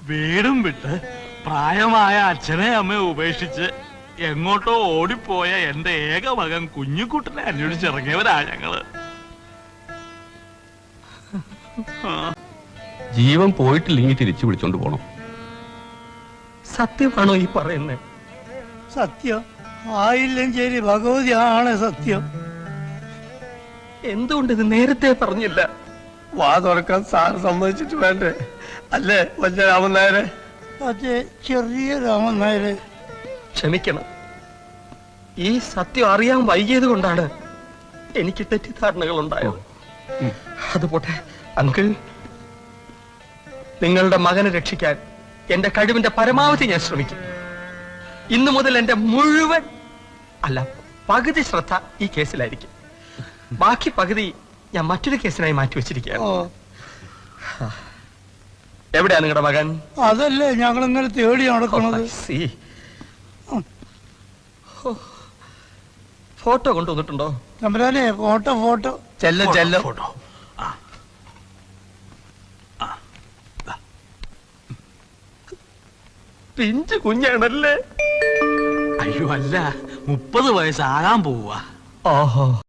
വീടും വിട്ട് പ്രായമായ അച്ഛനെ അമ്മയെ ഉപേക്ഷിച്ച് എങ്ങോട്ടോ ഓടിപ്പോയ എന്റെ ഏക മകൻ കുഞ്ഞുകുട്ടനെ അന്വേഷിച്ചിറങ്ങിയവരാ ഞങ്ങള്. ജീവൻ പോയിട്ടില്ലെങ്കിൽ തിരിച്ചു വിളിച്ചോണ്ട് പോണം. സത്യമാണോ ഈ പറയുന്നത്? സത്യം ആയില്ലെങ്കിൽ ഭഗവതിയാണ് സത്യം. എന്തുകൊണ്ട് ഇത് നേരത്തെ പറഞ്ഞില്ല? വാ തുറക്കാൻ സാറ് സമ്മതിച്ചിട്ട് വേണ്ടേ? അല്ലേ വലിയ രാമൻ നായരെ? അതെ, ചെറിയ രാമൻ നായരെ. ക്ഷമിക്കണം, ഈ സത്യം അറിയാൻ വൈകിയത് കൊണ്ടാണ് എനിക്ക് തെറ്റിദ്ധാരണകൾ ഉണ്ടായത്. അതുപോട്ടെ അങ്കിൾ, നിങ്ങളുടെ മകനെ രക്ഷിക്കാൻ എന്റെ കഴിവിന്റെ പരമാവധി ഞാൻ ശ്രമിക്കും. ഇന്നു മുതൽ എന്റെ മുഴുവൻ പകുതി ശ്രദ്ധ ഈ കേസിലായിരിക്കും. ബാക്കി പകുതി ഞാൻ മറ്റൊരു കേസിനായി മാറ്റിവെച്ചിരിക്കുകയാണ്. എവിടെയാ നിങ്ങളുടെ മകൻ? അതല്ലേ ഞങ്ങൾ ഇങ്ങനെ തേടി നടക്കുന്നത്. ഫോട്ടോ കൊണ്ടുവന്നിട്ടുണ്ടോ? തമ്പുരാനെ, ഫോട്ടോ ഫോട്ടോ. ചെല്ലോ ചെല്ലോ. ഫോട്ടോ. പിഞ്ചു കുഞ്ഞാണല്ലേ? അയ്യോ അല്ല, 30 വയസ്സാകാൻ പോവാ. ഓഹോ.